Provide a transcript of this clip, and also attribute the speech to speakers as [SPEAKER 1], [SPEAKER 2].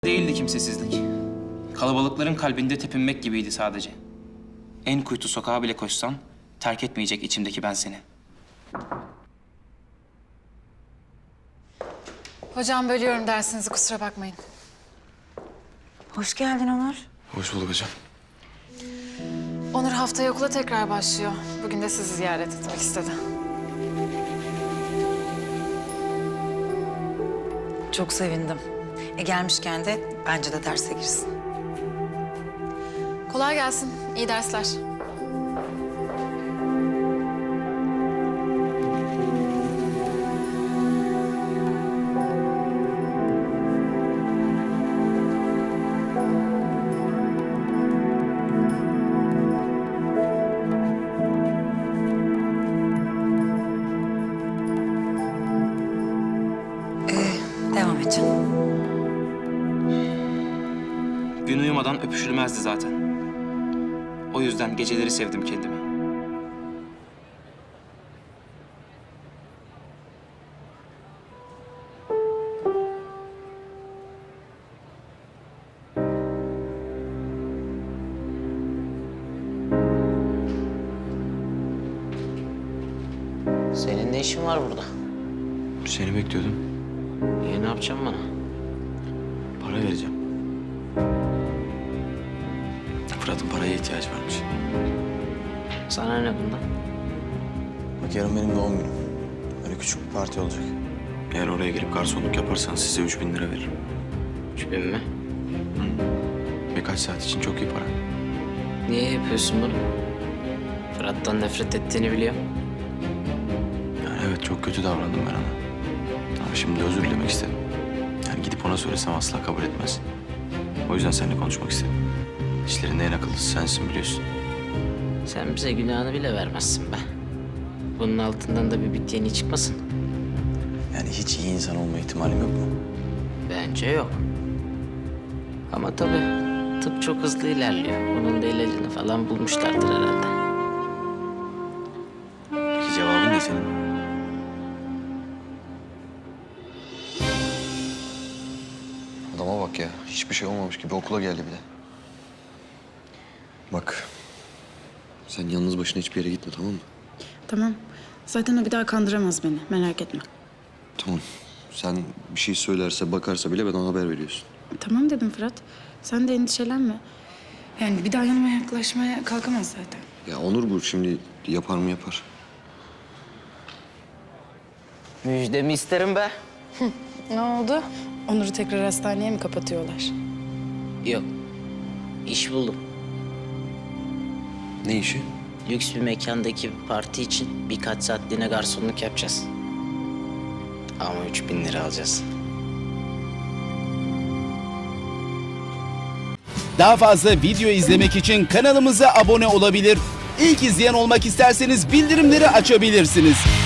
[SPEAKER 1] Değildi kimsesizlik. Kalabalıkların kalbinde tepinmek gibiydi sadece. En kuytu sokağa bile koşsan terk etmeyecek içimdeki ben seni.
[SPEAKER 2] Hocam bölüyorum dersinizi, kusura bakmayın.
[SPEAKER 3] Hoş geldin Onur.
[SPEAKER 4] Hoş bulduk hocam.
[SPEAKER 2] Onur haftaya okula tekrar başlıyor. Bugün de sizi ziyaret etmek istedi.
[SPEAKER 3] Çok sevindim. Gelmişken de bence de derse girsin.
[SPEAKER 2] Kolay gelsin, iyi dersler.
[SPEAKER 3] Devam et canım.
[SPEAKER 1] Gün uyumadan öpüşülmezdi zaten. O yüzden geceleri sevdim kendimi.
[SPEAKER 5] Senin ne işin var burada?
[SPEAKER 4] Seni bekliyordum.
[SPEAKER 5] Ne yapacaksın bana?
[SPEAKER 4] Para vereceğim. Fırat'ın paraya ihtiyacı varmış.
[SPEAKER 5] Sana ne bundan?
[SPEAKER 4] Bak yarın benim doğum günüm. Böyle küçük bir parti olacak. Eğer oraya gelip garsonluk yaparsan size 3.000 lira veririm.
[SPEAKER 5] 3000 mi?
[SPEAKER 4] Birkaç saat için çok iyi para.
[SPEAKER 5] Niye yapıyorsun bunu? Fırat'tan nefret ettiğini biliyorum.
[SPEAKER 4] Yani evet çok kötü davrandım ben ona. Ama şimdi özür dilemek istedim. Yani gidip ona söylesem asla kabul etmez. O yüzden seninle konuşmak istedim. İşlerinde en akıllısı sensin biliyorsun.
[SPEAKER 5] Sen bize günahını bile vermezsin be. Bunun altından da bir bit yeni çıkmasın.
[SPEAKER 4] Yani hiç iyi insan olma ihtimalim yok mu?
[SPEAKER 5] Bence yok. Ama tabii tıp çok hızlı ilerliyor. Bunun da ilacını falan bulmuşlardır herhalde.
[SPEAKER 4] Peki cevabın ne senin?
[SPEAKER 6] Adama bak ya. Hiçbir şey olmamış gibi okula geldi bir de. Bak. Sen yalnız başına hiçbir yere gitme, tamam mı?
[SPEAKER 7] Tamam. Zaten o bir daha kandıramaz beni. Merak etme.
[SPEAKER 6] Tamam. Sen bir şey söylerse, bakarsa bile bana haber veriyorsun.
[SPEAKER 7] Tamam dedim Fırat. Sen de endişelenme. Yani bir daha yanıma yaklaşmaya kalkamaz zaten.
[SPEAKER 6] Ya Onur bu şimdi yapar mı yapar.
[SPEAKER 5] Müjdemi isterim be.
[SPEAKER 7] Ne oldu? Onur'u tekrar hastaneye mi kapatıyorlar?
[SPEAKER 5] Yok. İş buldum.
[SPEAKER 6] Ne işi?
[SPEAKER 5] Lüks bir mekandaki bir parti için birkaç saatliğine garsonluk yapacağız. Ama 3000 lira alacağız.
[SPEAKER 8] Daha fazla video izlemek için kanalımıza abone olabilir. İlk izleyen olmak isterseniz bildirimleri açabilirsiniz.